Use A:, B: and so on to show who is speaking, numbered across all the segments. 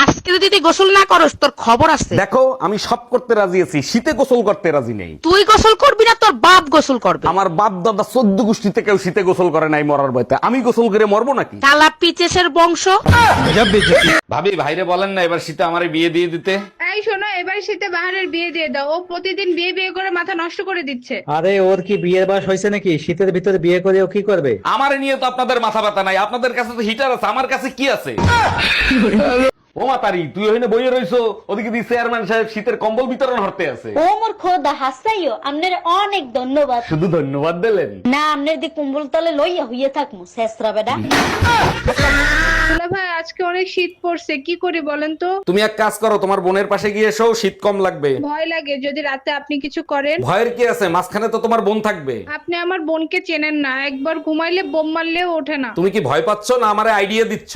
A: আজকে যদি তুই গোসল না করস তোর খবর আছে।
B: দেখো আমি সব করতে রাজি আছি, শীতে গোসল করতে রাজি নেই।
A: তুই গোসল করবি না তোর বাপ গোসল করবে।
B: আমার বাপ দাদা 14 গোষ্ঠীতে কেউ শীতে গোসল করে নাই মরার ভয়তে, আমি গোসল করে মরবো নাকি?
A: কালা পিচেসের বংশ।
B: ভাবি ভাইরে বলেন না এবার শীতে আমারে বিয়ে দিয়ে দিতে।
C: এই শোনো, এবার শীতে বাহারের বিয়ে দিয়ে দাও। ও প্রতিদিন বিয়ে বিয়ে করে মাথা নষ্ট করে দিচ্ছে।
D: আরে ওর কি বিয়ের বয়স হয়েছে নাকি? শীতের ভিতরে বিয়ে করে ও কি করবে?
B: আমারে নিয়ে তো আপনাদের মাথা ব্যথা নাই, আপনাদের কাছে তো হিটার আছে, আমার কাছে কি আছে? ও মাতারি, তুই ওখানে বইয়ে রইছো, ওদিকে দি চেয়ারম্যান সাহেব শীতের কম্বল বিতরণ হতে আছে।
E: ও মোর খোদা হাসাইও আপনার অনেক ধন্যবাদ।
B: শুধু ধন্যবাদ দিলেন
E: না আপনার দি কুম্বল তলে লইয়া হইয়া থাকমু শেষরা বেডা।
C: দুলা ভাই আজকে অনেক শীত পড়ছে, কি করি বলেন তো?
B: তুমি এক কাজ করো, তোমার বোনের পাশে গিয়ে এসো, শীত কম লাগবে।
C: ভয় লাগে যদি রাতে আপনি কিছু করেন।
B: ভয়ের কি আছে, মাঝখানে তো তোমার বোন থাকবে।
C: আপনি আমার বোনকে চেনেন না, একবার ঘুমাইলে বোম মারলেও ওঠে না।
B: তুমি কি ভয় পাচ্ছ না আমারে আইডিয়া দিচ্ছ?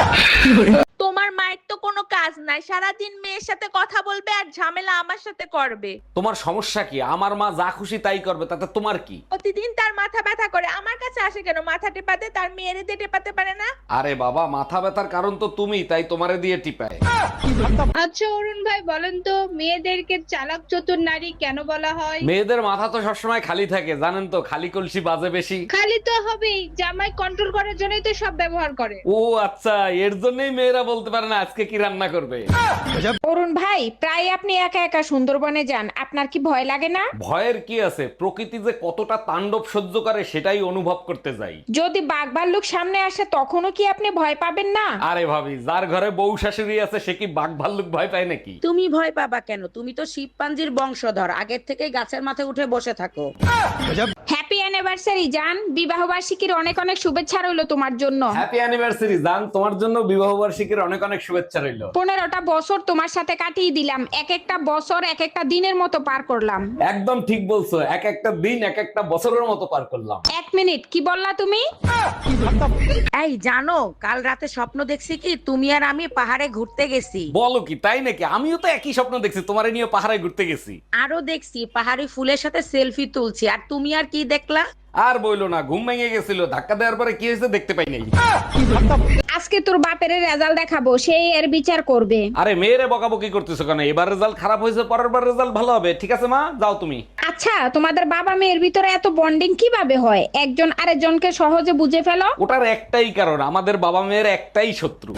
F: তোমার মায়ের তো কোনো কাজ নাই, সারাদিন মেয়ের সাথে কথা বলবে আর ঝামেলা আমার সাথে করবে।
B: তোমার সমস্যা কি? আমার মা যা খুশি তাই করবে, তাতে তোমার কি?
F: প্রতিদিন তার মাথা ব্যথা করে, আমার কাছে আসে কেন মাথা টেপাতে? তার মেয়েরে দিয়ে টেপাতে পারে না?
B: আরে বাবা, মাথা ব্যথার কারণ তো তুমি, তাই তোমারে দিয়ে টিপায়।
C: আচ্ছা অরুণ ভাই বলেন তো, মেয়েদেরকে চালাক চতুর নারী কেন বলা হয়?
B: মেয়েদের মাথা তো সবসময় খালি থাকে, জানেন তো, খালি কলসি বাজে বেশি।
C: খালি তো হবেই, জামাই কন্ট্রোল করার জন্যই তো সব ব্যবহার করে।
B: ও আচ্ছা, এর জন্যই মেয়েরা বলতে পারে না আজকে কি রান্না করবে।
G: অরুণ ভাই, প্রায় আপনি একা একা সুন্দরবনে যান, আপনার কি ভয় লাগে না?
B: ভয়ের কি আছে, প্রকৃতি যে কতটা তাণ্ডব সহ্য করে সেটাই অনুভব করতে যাই।
G: যদি বাঘ ভাল্লুক সামনে আসে তখনও কি আপনি ভয় পাবেন না?
B: আরে ভাবি, যার ঘরে বউ শাশুড়ি আছে সে কি বাঘ ভাল্লুক ভয় পায় নাকি?
A: তুমি ভয় পাবা কেন? তুমি তো শিবপাঞ্জির বংশধর, আগের থেকে গাছের মাথায় উঠে বসে থাকো।
G: হ্যাপি অ্যানিভার্সারি জান, বিবাহ বার্ষিকীর অনেক অনেক শুভেচ্ছা রইলো তোমার জন্য।
B: হ্যাপি অ্যানিভার্সারি জান, তোমার জন্য বিবাহ বার্ষিকীর অনেক অনেক শুভেচ্ছা রইল।
G: 15টা বছর তোমার সাথে কাটিয়ে দিলাম, এক একটা বছর এক একটা দিনের মতো পার করলাম।
B: একদম ঠিক বলছো, এক একটা দিন এক একটা বছরের মতো পার করলাম।
G: এক মিনিট, কি বললা তুমি?
A: এই জানো, কাল রাতে স্বপ্ন দেখছি কি তুমি আর আমি পাহাড়ে ঘুরতে গেছি।
B: বলো কি, তাই নাকি? আমিও তো একই স্বপ্ন দেখছি, তোমারে নিয়ে পাহাড়ে ঘুরতে গেছি।
A: আরো দেখছি পাহাড়ি ফুলের সাথে সেলফি তুলছি, আর তুমি আর কি দেখলা?
B: আর বইলো না, ঘুম ভেঙে গেছিল, ধাক্কা দেওয়ার পরে কি হয়েছে দেখতে পাই নাই।
G: আজকে তোর বাপের রেজাল্ট দেখাবো, সেই এর বিচার করবে।
B: আরে মেয়েরে বকাবকি করতেছো কেন? এবার রেজাল্ট খারাপ হয়েছে, পরের বার রেজাল্ট ভালো হবে। ঠিক আছে মা, যাও তুমি।
G: আচ্ছা, তোমাদের বাবা মেয়ের ভিতরে এত বন্ডিং কিভাবে হয়? একজন আরেকজনকে সহজে বুঝে ফেলো।
B: ওটার একটাই কারণ, আমাদের বাবা মেয়ের একটাই শত্রু।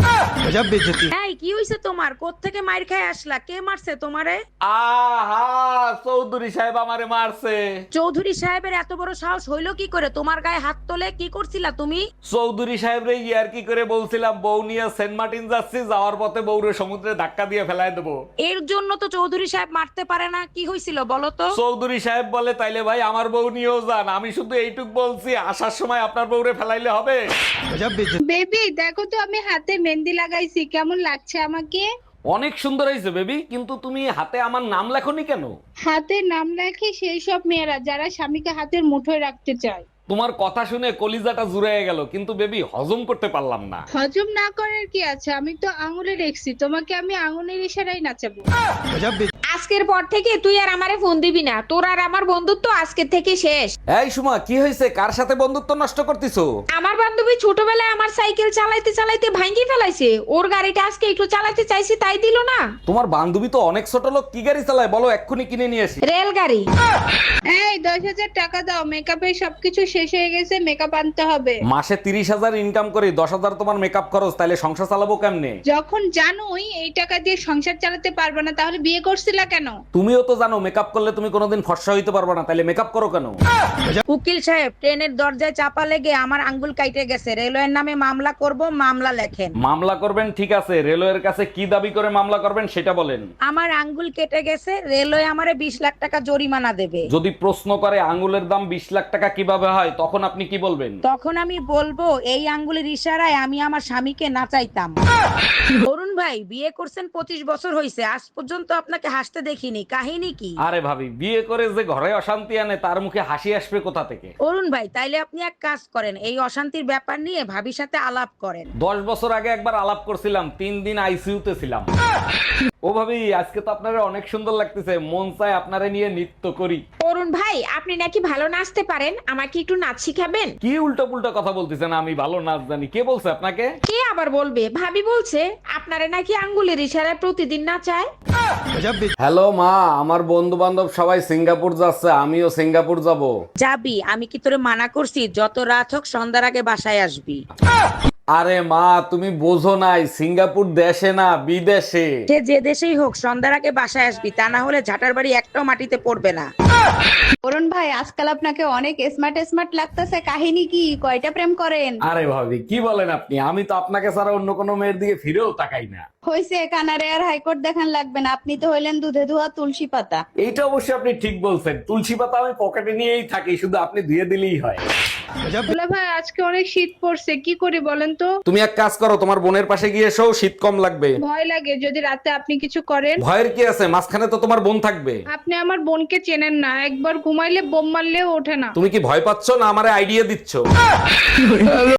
A: এই কি হইছে তোমার? কোত্থেকে মাইর খায় আসলা? কে মারছে তোমারে?
B: আহা, চৌধুরী সাহেব আমারে মারছে।
A: চৌধুরী সাহেবের এত বড় সাহস হইলো কি করে তোমার গায়ে হাত তোলে? কি করছিলা তুমি?
B: চৌধুরী সাহেব রে ইয়ার কি করে বলছিলাম বউ নিয়ে সেন্ট মার্টিন যাচ্ছি, যাওয়ার পথে বউরে সমুদ্রে ধাক্কা দিয়ে ফেলায় দেবো।
A: এর জন্য তো চৌধুরী সাহেব মারতে পারে না। কি হয়েছিল বলো তো?
B: চৌধুরী সাহেব বলে তাইলে ভাই আমার বউ নিয়েও যান, আমি শুধু এইটুক বলছি, আসার সময় আপনার বউরে ফেলাইলে হবে।
C: বেবি দেখো তো, আমি হাতে মেহেন্দি লাগাইছি, কেমন লাগছে আমাকে?
B: অনেক সুন্দর হয়েছে বেবি, কিন্তু তুমি হাতে আমার নাম লেখনি কেন?
C: হাতে নাম লেখে সেই সব মেয়েরা যারা স্বামীকে হাতের মুঠোয় রাখতে চায়।
B: তোমার কথা শুনে কলিজাটা জুড়ে গেল, কিন্তু বেবি হজম করতে পারলাম না।
C: হজম না করার কি আছে, আমি তো আঙুলে রেখছি, তোমাকে আমি আঙুলের ইশারায় নাচাবো।
G: আজকের পর থেকে তুই আর আমারে ফোন দিবি না, তোর আর আমার বন্ধুত্ব আজকে থেকে শেষ।
B: এই সুমা, কি হয়েছে? কার সাথে বন্ধুত্ব নষ্ট করতেছো?
G: আমার বান্ধবী ছোটবেলায় আমার সাইকেল চালাইতে চালাইতে ভাঙি ফেলাইছে, ওর গাড়িটা আজকে একটু চালাতে চাইছি তাই দিল না।
B: তোমার বান্ধবী তো অনেক ছোট লোক, কি গাড়ি চালায় বলো, এক্ষুনি কিনে নিয়ে আসি।
G: রেলগাড়ি।
C: এই 10,000 টাকা দাও, মেকআপের সবকিছু শেষ হয়ে গেছে, মেকআপ আনতে হবে।
B: মাসে 30,000 ইনকাম করি, 10,000 তোমার মেকআপ খরচ, তাইলে সংসার চালাবো কেমনে?
C: যখন জানোই এই টাকা দিয়ে সংসার চালাতে পারবে না, তাহলে বিয়ে করছিলা কেন?
B: তুমিও তো জানো মেকআপ করলে তুমি কোনোদিন ফর্সা হইতে পারবে না, তাইলে মেকআপ করো কেন?
A: উকিল সাহেব, ট্রেনের দরজায় চাপা লেগে আমার আঙ্গুল কাইটে গেছে, রেলওয়ের নামে মামলা করব, মামলা লেখেন।
B: মামলা করবেন ঠিক আছে, রেলওয়ের কাছে কি দাবি করে মামলা করবেন সেটা বলেন।
A: আমার আঙ্গুল কেটে গেছে, রেলওয়ে আমারে 20 লাখ টাকা জরিমানা দেবে।
B: যদি প্রশ্ন করে আঙ্গুলের দাম 20 লাখ টাকা কিভাবে হয়, তখন আপনি কি বলবেন?
A: তখন আমি বলবো এই আঙ্গুলের ইশারায় আমি আমার স্বামীকে নাচাইতাম। অরুণ ভাই, বিয়ে করছেন 25 বছর হয়েছে, আজ পর্যন্ত আপনাকে হাসতে দেখিনি, কাহিনী কি?
B: আরে ভাবি, বিয়ে করে যে ঘরে অশান্তি আনে তার মুখে হাসি আসবে কোথা থেকে?
A: অরুণ ভাই, তাইলে আপনি এক কাজ করেন, এই অশান্তির ব্যাপার নিয়ে ভাবির সাথে আলাপ করেন।
B: 10 বছর আগে একবার আলাপ করছিলাম, 3 দিন আইসিইউতে ছিলাম। ও ও ভাবি, আজকে তো আপনারা অনেক সুন্দর লাগতেছে, মন চায় আপনারা নিয়ে নৃত্য করি।
G: অরুণ ভাই আপনি নাকি ভালো নাচতে পারেন, আমাকে একটু নাচ শিখাবেন?
B: কি উল্টো পুল্টো কথা বলতেছেন, আমি ভালো নাচ জানি? কে বলছে আপনাকে?
G: কে আবার বলবে, ভাবি বলছে আপনারে নাকি আঙ্গুলের ইশারায় প্রতিদিন নাচায়।
B: হ্যালো মা, আমার বন্ধু বান্ধব সবাই সিঙ্গাপুর যাচ্ছে, আমিও সিঙ্গাপুর যাব।
A: যাবি? আমি কি তোরে মানা করছি যত রাত হোক সন্ধ্যার আগে বাসায় আসবি?
B: আরে মা, তুমি বোঝো নাই, সিঙ্গাপুর দেশে না বিদেশে।
A: সে যে দেশেই হোক সন্ধ্যার আগে বাসায় আসবি, তা না হলে ঝাঁটার বাড়ি একটাও মাটিতে পড়বে না।
C: অরুণ ভাই আজকাল আপনাকে অনেক স্মার্ট স্মার্ট লাগতেছে, কাহিনী কি? কয়টা প্রেম করেন?
B: আরে ভাবি কি বলেন আপনি, আমি তো আপনাকে ছাড়া অন্য কোনো মেয়ের দিকে ফিরেও তাকাই না।
C: হইছে, কানারে আর হাইকোর্ট দেখান লাগবে না, আপনি তো হইলেন দুধে ধোয়া তুলসী পাতা।
B: এইটা অবশ্যই আপনি ঠিক বলছেন, তুলসী পাতা আমি পকেটে নিয়েই থাকি, শুধু আপনি ধুয়ে দিলেই হয়।
C: দুলা ভাই আজকে অনেক শীত পড়ছে, কি করি বলেন তো?
B: তুমি এক কাজ করো, তোমার বোনের পাশে গিয়ে এসো, শীত কম লাগবে।
C: ভয় লাগে যদি রাতে আপনি কিছু করেন।
B: ভয়ের কি আছে, মাঝখানে তো তোমার বোন থাকবে।
C: আপনি আমার বোনকে চেনেন না, একবার ঘুমাইলে বোম মারলেও ওঠে না।
B: তুমি কি ভয় পাচ্ছ না আমারে আইডিয়া দিচ্ছ?